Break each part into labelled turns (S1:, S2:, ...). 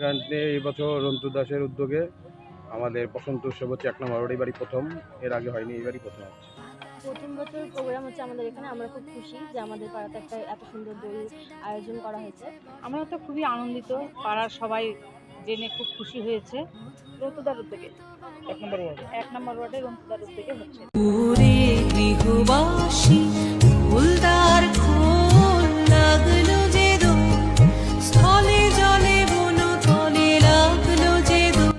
S1: এখানে এই বছর রন্তু দাসের উদ্যোগে আমাদের বসন্ত উৎসব হচ্ছে 1 নম্বর ওয়ার্ড, এবারই প্রথম। এর আগে হয়নি, এবারই প্রথম হচ্ছে।
S2: প্রথম বছর প্রোগ্রাম হচ্ছে আমাদের এখানে। আমরা খুব খুশি যে আমাদের পাড়াতে একটা এত সুন্দর দোল আয়োজন করা হয়েছে।
S3: আমরা তো খুবই আনন্দিত, পাড়ার সবাই জেনে খুব খুশি হয়েছে। রতুদার উদ্যোগে 1 নম্বর ওয়ার্ডে রতুদার উদ্যোগে হচ্ছে।
S4: পুরে গৃহবাসী ফুলদার খোল লাগলো যে দোল, স্থলে জলে বনতলে লাগলো যে দোল।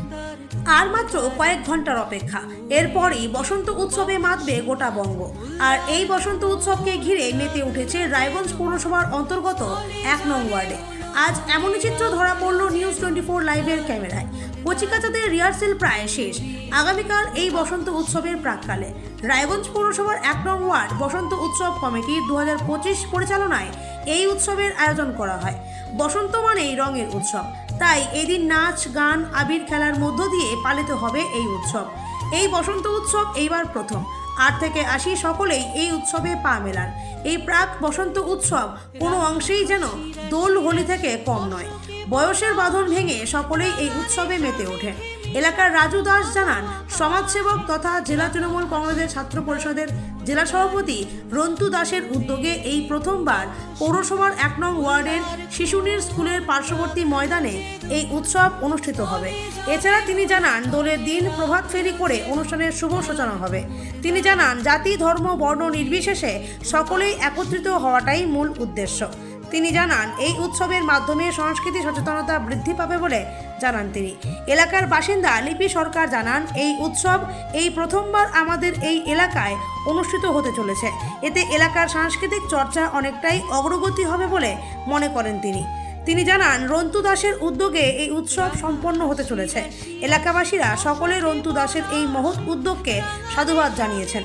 S5: আর মাত্র কয়েক ঘন্টার অপেক্ষা, এরপরই বসন্ত উৎসবে মাতবে গোটা বঙ্গ। আর এই বসন্ত উৎসবকে ঘিরে মেতে উঠেছে রায়গঞ্জ পৌরসভার অন্তর্গত 1 নং ওয়ার্ডে। আজ এমনই চিত্র ধরা পড়ল নিউজ 24 লাইভের ক্যামেরায়। কচিকাচাদের রিহার্সেল প্রায় শেষ। আগামীকাল এই বসন্ত উৎসবের প্রাক্কালে রায়গঞ্জ পৌরসভার 1 নং ওয়ার্ড বসন্ত উৎসব কমিটির 2025 পরিচালনায় এই উৎসবের আয়োজন করা হয়। বসন্ত মানেই রঙের উৎসব, তাই এদিন নাচ গান আবির খেলার মধ্য দিয়ে পালিত হবে এই উৎসব। এই বসন্ত উৎসব এইবার প্রথম। 8 থেকে 80 সকলেই এই উৎসবে পা মেলান। এই প্রাক বসন্ত উৎসব কোনো অংশেই যেন দোল হোলি থেকে কম নয়। বয়সের বাঁধন ভেঙে সকলেই এই উৎসবে মেতে ওঠেন। এলাকার রাজু দাস জানান, সমাজসেবক তথা জেলা তৃণমূল কংগ্রেসের ছাত্র পরিষদের জেলা সভাপতি রন্তু দাসের উদ্যোগে এই প্রথমবার পৌরসভার 1 নং ওয়ার্ডের শিশুনির স্কুলের পার্শ্ববর্তী ময়দানে এই উৎসব অনুষ্ঠিত হবে। এছাড়া তিনি জানান, দোলের দিন প্রভাত ফেরি করে অনুষ্ঠানের শুভ সূচনা হবে। তিনি জানান, জাতি ধর্ম বর্ণ নির্বিশেষে সকলেই একত্রিত হওয়াটাই মূল উদ্দেশ্য। তিনি জানান, এই উৎসবের মাধ্যমে সংস্কৃতি সচেতনতা বৃদ্ধি পাবে বলে জানান তিনি। এলাকার বাসিন্দা লিপি সরকার জানান, এই উৎসব এই প্রথমবার আমাদের এই এলাকায় অনুষ্ঠিত হতে চলেছে। এতে এলাকার সাংস্কৃতিক চর্চা অনেকটাই অগ্রগতি হবে বলে মনে করেন তিনি। তিনি জানান, রন্তু দাসের উদ্যোগে এই উৎসব সম্পন্ন হতে চলেছে। এলাকাবাসীরা সকলে রন্তু দাসের এই মহৎ উদ্যোগকে সাধুবাদ জানিয়েছেন।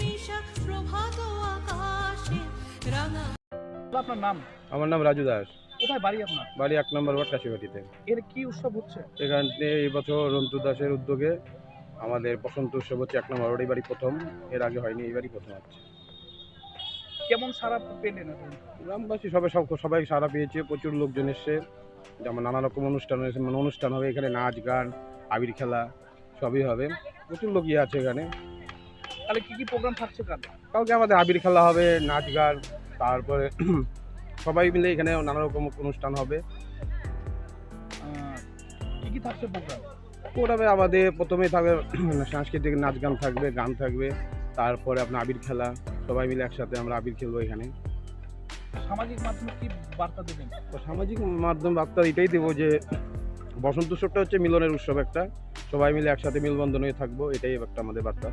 S6: আপনার নাম?
S1: আমার নাম রাজু দাস।
S6: কোথায় বাড়ি আপনার?
S1: বাড়ি 1 নম্বর ওয়ার্ড কাশিবাটিতে।
S6: এর কি উৎসব হচ্ছে?
S1: এখানে এই বছর রন্তু দাসের উদ্যোগে আমাদের বসন্ত উৎসব হচ্ছে 1 নম্বর ওয়ার্ড, এবারই প্রথম। এর আগে হয়নি, এবারই প্রথম হচ্ছে।
S6: কেমন সারা পেলেন এখন?
S1: গ্রামবাসী সবাই সাড়া পেয়েছে, প্রচুর লোকজন এসছে। যেমন নানা রকম অনুষ্ঠান হয়েছে, মানে অনুষ্ঠান হবে এখানে, নাচ গান আবির খেলা সবই হবে। প্রচুর লোকই আছে এখানে।
S6: তাহলে কি প্রোগ্রাম থাকছে কাল?
S1: কাউকে আমাদের আবির খেলা হবে, নাচ গান, তারপরে সবাই মিলে এখানে নানা রকম অনুষ্ঠান হবে।
S6: কি থাকছে প্রোগ্রাম?
S1: প্রোগ্রামে আমাদের প্রথমেই থাকবে সাংস্কৃতিক নাচ গান থাকবে, গান থাকবে, তারপরে আপনার আবির খেলা। সবাই মিলে একসাথে আমরা আবির খেলবো এখানে।
S6: সামাজিক মাধ্যমে কি বার্তা দেবেন?
S1: তো সামাজিক মাধ্যম বার্তা এটাই দেবো যে বসন্ত উৎসবটা হচ্ছে মিলনের উৎসব একটা, সবাই মিলে একসাথে মিলবন্ধন হয়ে থাকবো, এটাই একটা আমাদের বার্তা।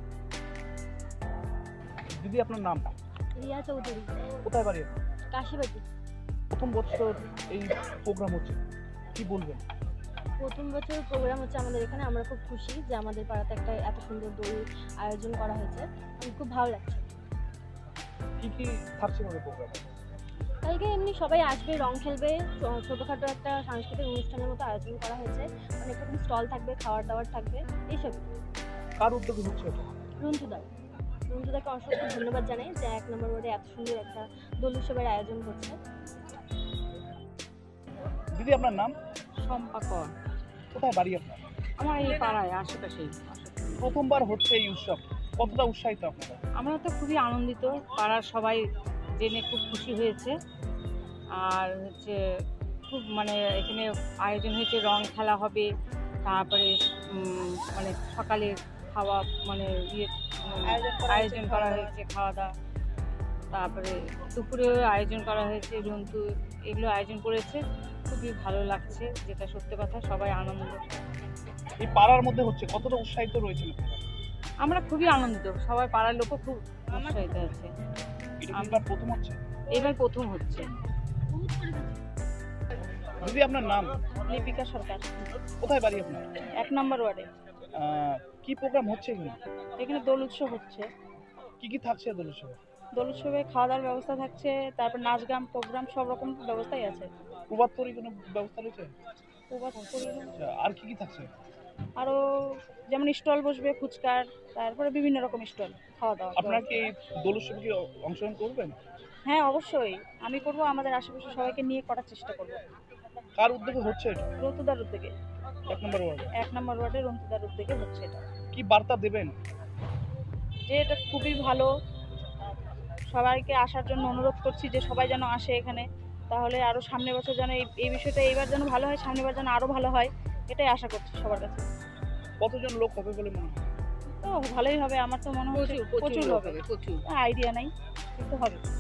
S6: দিদি আপনার নাম?
S2: রিয়া চৌধুরী।
S6: কোথায় বাড়ি?
S2: কাশিবাটি।
S6: প্রথম বছর এই প্রোগ্রাম হচ্ছে, কি বলবেন?
S2: প্রথম বছর প্রোগ্রাম হচ্ছে আমাদের এখানে। আমরা খুব খুশি যে আমাদের পাড়াতে একটা এত সুন্দর দোল আয়োজন করা হয়েছে। খুব ভালো লাগছে।
S6: কি থাকছে আমাদের প্রোগ্রাম?
S2: কালকে এমনি সবাই আসবে, রং খেলবে, ছোটোখাটো একটা সাংস্কৃতিক অনুষ্ঠানের মতো আয়োজন করা হয়েছে। অনেক রকম স্টল থাকবে, খাওয়ার দাওয়ার থাকবে, এইসব।
S6: কার উদ্যোগে হচ্ছে এটা?
S2: রন্তুদাকে অসংখ্য ধন্যবাদ জানাই যে 1 নম্বর ওয়ার্ডে এত সুন্দর একটা দোল উৎসবের আয়োজন করছে।
S6: দিদি আপনার নাম?
S3: সম্পা কর।
S6: কোথায় বাড়ি আপনার?
S3: আমার এই পাড়ায় আশেপাশেই।
S6: প্রথমবার হচ্ছে এই উৎসব, কতটা উৎসাহিত আপনারা?
S3: আমরা তো খুবই আনন্দিত, পাড়ার সবাই জেনে খুব খুশি হয়েছে। আর হচ্ছে খুব মানে এখানে আয়োজন হয়েছে, রং খেলা হবে, তারপরে মানে সকালে খাওয়া মানে আয়োজন করা হয়েছে, খাওয়া দাওয়া, তারপরে দুপুরে আয়োজন করা হয়েছে, রন্তু এগুলো আয়োজন করেছে। খুবই ভালো লাগছে, যেটা সত্যি কথা, সবাই আনন্দ।
S6: এই পাড়ার মধ্যে হচ্ছে, কতটা উৎসাহিত রয়েছেন?
S3: আমরা খুবই আনন্দিত, সবাই পাড়ার লোকও খুব উৎসাহিত আছে।
S6: আমরা প্রথম হচ্ছে?
S3: এবার প্রথম হচ্ছে।
S6: দিদি আপনার নাম?
S3: লিপিকা সরকার।
S6: কোথায় বাড়ি আপনার?
S3: 1 নম্বর ওয়ার্ডে।
S6: কি প্রোগ্রাম হচ্ছে এখানে?
S3: এখানে দোল উৎসব হচ্ছে।
S6: কি থাকছে দোল উৎসবে?
S3: দোল উৎসবে খাওয়া দাওয়ার ব্যবস্থা থাকছে, তারপর নাচ গান প্রোগ্রাম সব রকম ব্যবস্থাই আছে।
S6: প্রভাত ফেরি কোনো ব্যবস্থা রয়েছে? আর কি থাকছে?
S3: আরও যেমন স্টল বসবে ফুচকার, তারপরে বিভিন্ন রকম স্টল, খাওয়া দাওয়া।
S6: আপনারা কি এই দোল উৎসবে কি অংশগ্রহণ করবেন?
S3: হ্যাঁ অবশ্যই, আমি করব, আমাদের আশেপাশে সবাইকে নিয়ে করার চেষ্টা করব।
S6: কার উদ্যোগে হচ্ছে এটা?
S3: রতুদার উদ্যোগে,
S6: 1 নম্বর ওয়ার্ডে
S3: 1 নম্বর ওয়ার্ডের রতুদার উদ্যোগে হচ্ছে এটা।
S6: কি বার্তা দেবেন?
S3: যে এটা খুবই ভালো, সবাইকে আসার জন্য অনুরোধ করছি যে সবাই যেন আসে এখানে, তাহলে আরও সামনের বছর যেন এই বিষয়টা এইবার যেন ভালো হয়, সামনের বার যেন আরও ভালো হয়, এটাই আশা করছি সবার কাছে।
S6: কতজন লোক হবে বলে মনে হয়?
S3: তো ভালোই হবে, আমার তো মনে হচ্ছে প্রচুর হবে, আইডিয়া নাই কিন্তু হবে।